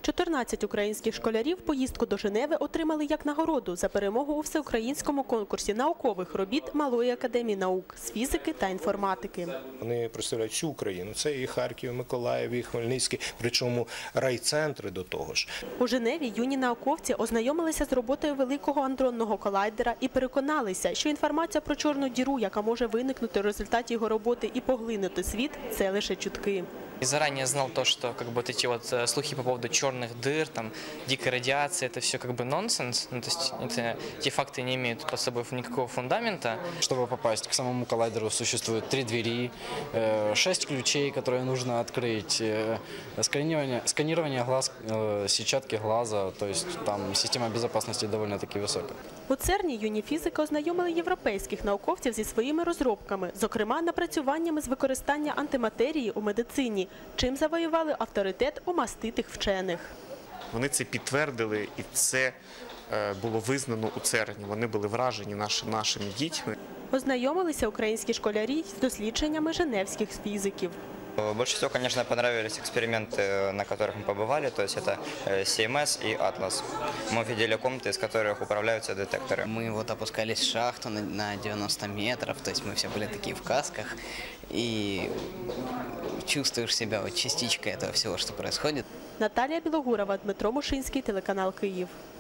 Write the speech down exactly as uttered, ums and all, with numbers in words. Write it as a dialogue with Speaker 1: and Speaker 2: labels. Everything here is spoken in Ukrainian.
Speaker 1: чотирнадцять українських школярів поїздку до Женеви отримали як нагороду за перемогу у всеукраїнському конкурсі наукових робіт Малої академії наук з фізики та інформатики.
Speaker 2: Вони представляють всю Україну. Це і Харків, і Миколаїв, і Хмельницький, причому райцентри до того ж.
Speaker 1: У Женеві юні науковці ознайомилися з роботою великого андронного колайдера і переконалися, що інформація про чорну діру, яка може виникнути в результаті його роботи і поглинути світ, це лише чутки.
Speaker 3: И заранее знал то, что как бы вот эти вот слухи по поводу черных дыр, там, дикой радиации, это все как бы нонсенс. Ну, то есть это, эти факты не имеют под собой никакого фундамента.
Speaker 4: Чтобы попасть к самому коллайдеру, существует три двери, шесть ключей, которые нужно открыть, сканирование, сканирование глаз, сетчатки глаза, то есть там система безопасности довольно-таки высокая.
Speaker 1: У ЦЕРНі юні фізики ознайомили європейських науковців зі своїми розробками, зокрема напрацюваннями з використання антиматерії у медицині, чим завоювали авторитет у маститих вчених.
Speaker 5: Вони це підтвердили, і це було визнано у ЦЕРНі. Вони були вражені нашими дітьми.
Speaker 1: Ознайомилися українські школярі з дослідженнями женевських фізиків.
Speaker 6: Больше всего, конечно, понравились эксперименты, на которых мы побывали, то есть это Си Эм Эс и Атлас. Мы видели комнаты, из которых управляются детекторы.
Speaker 7: Мы вот опускались в шахту на девяносто метров, то есть мы все были такие в касках, и чувствуешь себя вот частичкой этого всего, что происходит.
Speaker 1: Наталія Білогурова, Дмитро Мушинський, телеканал Київ.